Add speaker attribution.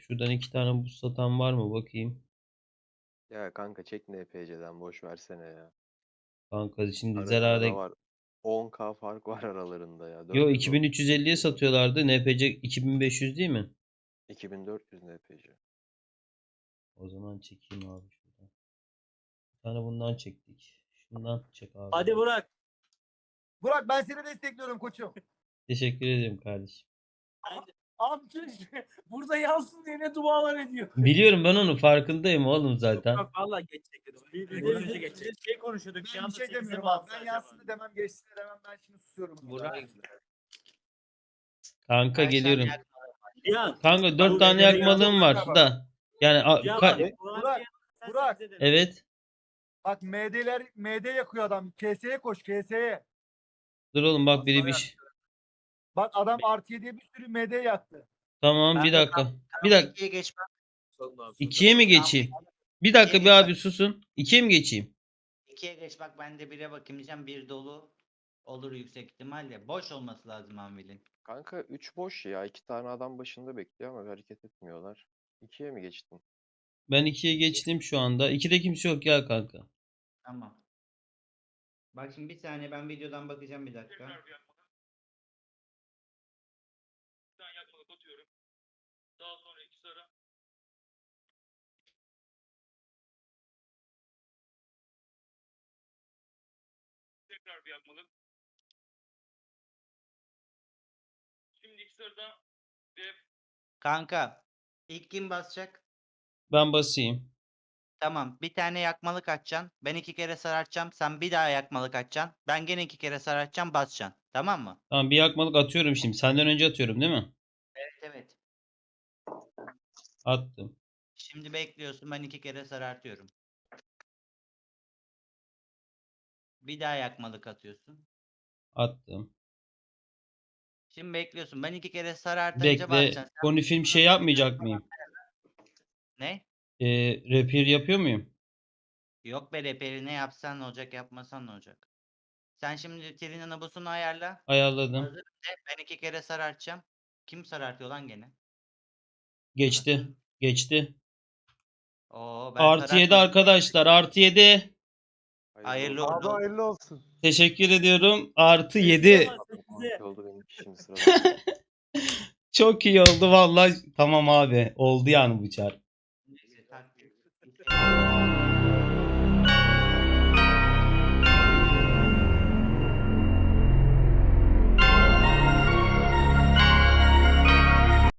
Speaker 1: Şuradan 2 tane buz satan var mı bakayım.
Speaker 2: Ya kanka çek NPC'den boş versene ya.
Speaker 1: Kanka şimdi
Speaker 2: Arada
Speaker 1: zararda.
Speaker 2: var. 10K fark var aralarında ya.
Speaker 1: Yo,
Speaker 2: 410.
Speaker 1: 2350'ye satıyorlardı. NPC 2500 değil mi?
Speaker 2: 2400 NPC.
Speaker 1: O zaman çekeyim abi şuradan. Bir tane bundan çektik. Şundan çek abi.
Speaker 3: Hadi Burak.
Speaker 4: Burak ben seni destekliyorum koçum.
Speaker 1: Teşekkür ederim kardeşim.
Speaker 3: Abi burada yansın diye ne dualar ediyor.
Speaker 1: Biliyorum, ben onun farkındayım oğlum zaten.
Speaker 3: Yok valla geçecek dedim. Biz şey konuşuyorduk.
Speaker 4: Ben bir şey demiyorum abi. Ben yansın da demem geçsin de demem ben şimdi susuyorum.
Speaker 5: Burak.
Speaker 1: Kanka
Speaker 5: Kaç
Speaker 1: geliyorum.
Speaker 5: tane
Speaker 3: Ya.
Speaker 1: Kanka 4 tane yakmalığım var da. Yani
Speaker 3: Ya
Speaker 1: ka-
Speaker 3: bak,
Speaker 4: Burak.
Speaker 1: evet.
Speaker 4: Bak MD yakıyor adam. KS'ye koş KS'ye.
Speaker 1: Dur oğlum, bak biri bir şey.
Speaker 4: Bak adam artı 7'ye bir sürü MD yaktı.
Speaker 1: Tamam, bir
Speaker 5: Kanka,
Speaker 1: dakika. Bir dakika.
Speaker 5: 2'ye geçmem.
Speaker 1: 2'ye mi geçeyim? Bir dakika bir abi susun. 2'ye mi geçeyim?
Speaker 5: 2'ye geç bak, ben de 1'e bakayım diyeceğim. 1 dolu olur yüksek ihtimalle. Boş olması lazım Anvil'in.
Speaker 2: Kanka 3 boş ya. 2 tane adam başında bekliyor ama hareket etmiyorlar. 2'ye mi geçtin?
Speaker 1: Ben 2'ye geçtim şu anda. 2'de kimse yok ya kanka.
Speaker 5: Tamam. Bak şimdi bir saniye, ben videodan bakacağım bir dakika.
Speaker 3: Daha sonra iki sıra. Tekrar bir yakmalık. Şimdi iki sırada dev.
Speaker 5: Kanka ilk kim basacak?
Speaker 1: Ben basayım.
Speaker 5: Tamam, bir tane yakmalık açacaksın. Ben 2 kere sarartacağım. Sen bir daha yakmalık açacaksın. Ben gene 2 kere sarartacağım, basacaksın. Tamam mı?
Speaker 1: Tamam, bir yakmalık atıyorum şimdi. Senden önce atıyorum değil mi?
Speaker 5: Evet evet.
Speaker 1: Attım.
Speaker 5: Şimdi bekliyorsun, ben 2 kere sarartıyorum. Bir daha yakmalık atıyorsun.
Speaker 1: Attım.
Speaker 5: Şimdi bekliyorsun. Ben 2 kere sarartınca
Speaker 1: Bekle.
Speaker 5: basacaksın.
Speaker 1: Koni film şey yapmayacak mıyım?
Speaker 5: Ne?
Speaker 1: Repair yapıyor muyum?
Speaker 5: Yok be, reperi ne yapsan ne olacak, yapmasan ne olacak? Sen şimdi Trina nabusunu ayarla.
Speaker 1: Ayarladım.
Speaker 5: Hazır de, ben 2 kere sarartacağım. Kim sarartıyor lan gene?
Speaker 1: Geçti.
Speaker 5: Anasını.
Speaker 1: Geçti.
Speaker 5: Oo, ben
Speaker 1: Artı 7
Speaker 5: sarartmadım.
Speaker 1: arkadaşlar. Artı 7.
Speaker 5: Hayırlı
Speaker 2: olsun.
Speaker 5: uğurlu olsun.
Speaker 4: hayırlı olsun.
Speaker 1: Teşekkür ediyorum. Artı 7.
Speaker 2: Altı oldu benim şimdi sırada.
Speaker 1: Çok iyi oldu vallahi. Tamam abi. Oldu yani bu çar.
Speaker 5: Neyse, tak.